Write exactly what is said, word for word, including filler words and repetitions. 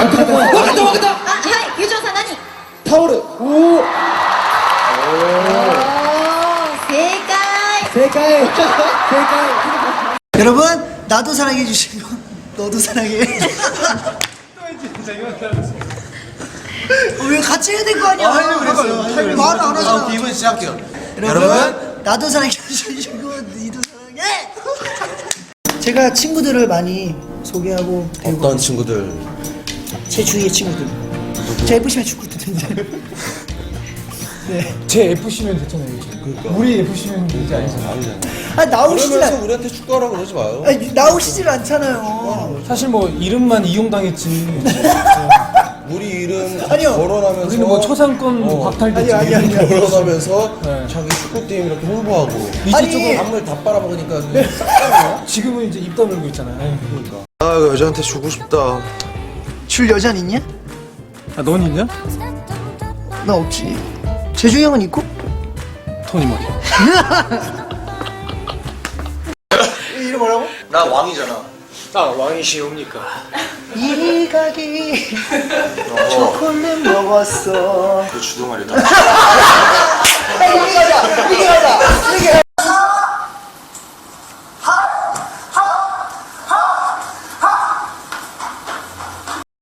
わかったわかった。 あ、はい、友情さん何？ タオル。おお。 正解。 正解。正解. 여러분 나도 사랑해 주시고 너도 사랑해. 어, 왜 같이 해야 될 거 아니야? 하려고 그랬어요. 말을 안 하잖아. 이번 시작해요. 여러분 나도 사랑해 주시고 너도 사랑해. 제가 친구들을 많이 소개하고 어떤 친구들? 제 주위의 친구들. 제 에프씨면 축구 듣는데. 네. 제 에프씨면 됐잖아요. 그러니까. 우리 에프씨면 되지 않잖아요. 아니잖아. 아 나오시질 그러면서 않. 우리한테 축구하라고 그러지 마요. 아니, 나오시질 않잖아요. 사실 뭐 이름만 이용당했지. 우리 이름 아니요. 거론하면서 우리는 뭐 초상권 어. 박탈됐지. 아니, 아니, 아니. 거론하면서 네. 자기 축구팀 이렇게 홍보하고 이제 아니. 조금 한물 다 빨아먹으니까 지금은 이제 입 다물고 있잖아요. 그러니까. 아 여자한테 주고 싶다. 줄 여잔 있냐? 아, 넌 있냐? 나 없지. 재중이 형은 있고? 토니 머리. 이름 뭐라고? 나 왕이잖아. 아, 왕이시옵니까? 이리 가기 초콜릿 먹었어. 그 주동아리다. 이리 가자 이리 가자